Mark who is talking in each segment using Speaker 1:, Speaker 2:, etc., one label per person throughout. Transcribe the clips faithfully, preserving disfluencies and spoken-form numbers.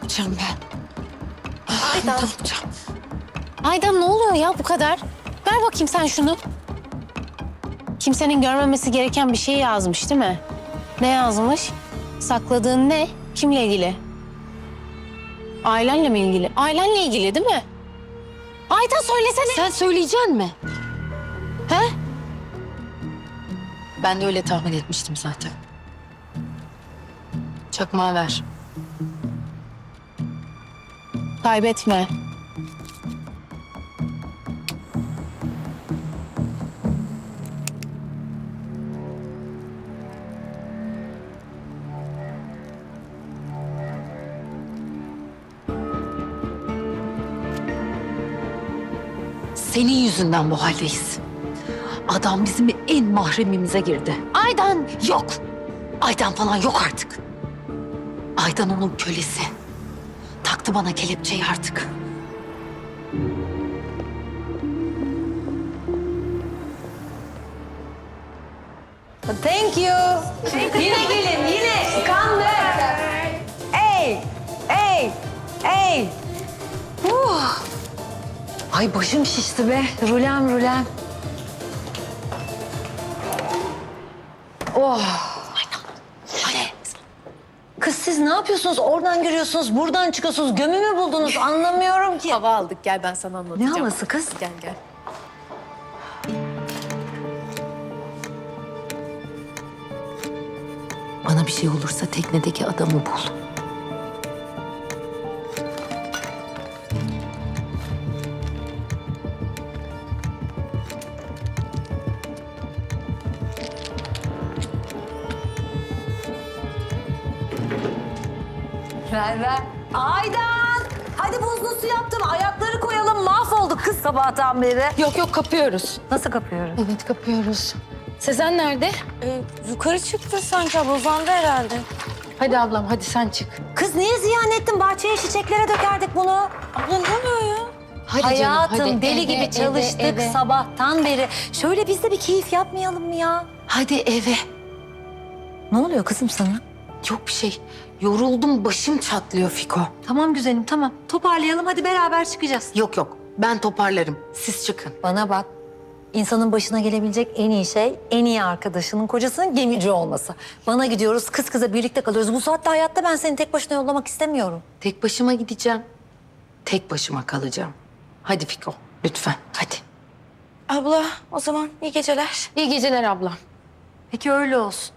Speaker 1: yapacağım ben?
Speaker 2: Aydan.
Speaker 1: Ne yapacağım?
Speaker 2: Aydan ne oluyor ya bu kadar? Ver bakayım sen şunu. Kimsenin görmemesi gereken bir şey yazmış değil mi? Ne yazmış? Sakladığın ne? Kimle ilgili? Ailenle mi ilgili? Ailenle ilgili değil mi? Aydan söylesene.
Speaker 1: Sen söyleyeceksin mi?
Speaker 2: He?
Speaker 1: Ben de öyle tahmin etmiştim zaten. Çakmağı ver.
Speaker 2: Kaybetme.
Speaker 1: Senin yüzünden bu haldeyiz. Adam bizim en mahremimize girdi.
Speaker 2: Aydan.
Speaker 1: Yok. Aydan falan yok artık. Aydan onun kölesi. Taktı bana kelepçeyi artık.
Speaker 3: Thank you. Yine gelin, yine. Come back. Ey, ey, ey. Uh. Ay başım şişti be. Rulem, rulem. Oh.
Speaker 1: Hadi.
Speaker 3: Kız siz ne yapıyorsunuz? Oradan giriyorsunuz, buradan çıkıyorsunuz. Gömü mü buldunuz? Anlamıyorum ki.
Speaker 2: Hava aldık. Gel ben sana
Speaker 3: Ne
Speaker 2: anlatacağım.
Speaker 3: havası kız?
Speaker 2: Gel gel.
Speaker 1: Bana bir şey olursa teknedeki adamı bul.
Speaker 3: Ver ver. Aydan! Hadi buzlu su yaptım. Ayakları koyalım. Mahvolduk kız sabahtan beri.
Speaker 1: Yok yok kapıyoruz.
Speaker 3: Nasıl kapıyorum?
Speaker 1: Evet kapıyoruz. Sezen nerede?
Speaker 3: Ee, yukarı çıktı sanki abla. Uzandı herhalde.
Speaker 1: Hadi ablam hadi sen çık.
Speaker 3: Kız niye ziyan ettin? Bahçeye çiçeklere dökerdik bunu. Abla ne oluyor ya?
Speaker 1: Hadi
Speaker 3: Hayatım
Speaker 1: canım, hadi.
Speaker 3: deli
Speaker 1: Eve,
Speaker 3: gibi
Speaker 1: eve,
Speaker 3: çalıştık
Speaker 1: eve.
Speaker 3: sabahtan beri. Şöyle biz de bir keyif yapmayalım mı ya?
Speaker 1: Hadi eve.
Speaker 3: Ne oluyor kızım sana?
Speaker 1: Yok bir şey. Yoruldum başım çatlıyor Fiko.
Speaker 3: Tamam güzelim tamam. Toparlayalım hadi beraber çıkacağız.
Speaker 1: Yok yok ben toparlarım. Siz çıkın.
Speaker 3: Bana bak. İnsanın başına gelebilecek en iyi şey en iyi arkadaşının kocasının gemici olması. Bana gidiyoruz kız kıza birlikte kalıyoruz. Bu saatte hayatta ben seni tek başına yollamak istemiyorum.
Speaker 1: Tek başıma gideceğim. Tek başıma kalacağım. Hadi Fiko lütfen hadi.
Speaker 4: Abla o zaman iyi geceler.
Speaker 1: İyi geceler abla.
Speaker 3: Peki öyle olsun.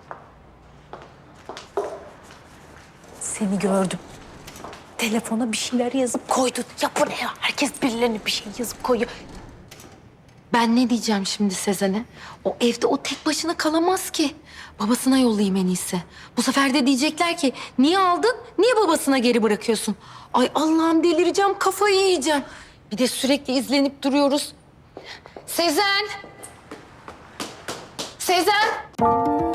Speaker 3: Seni gördüm. Telefona bir şeyler yazıp koydun. Ya bu ne ya? Herkes birilerine bir şey yazıp koyuyor.
Speaker 1: Ben ne diyeceğim şimdi Sezen'e? O evde o tek başına kalamaz ki. Babasına yollayayım en iyisi. Bu sefer de diyecekler ki niye aldın, niye babasına geri bırakıyorsun? Ay Allah'ım delireceğim, kafayı yiyeceğim. Bir de sürekli izlenip duruyoruz. Sezen! Sezen!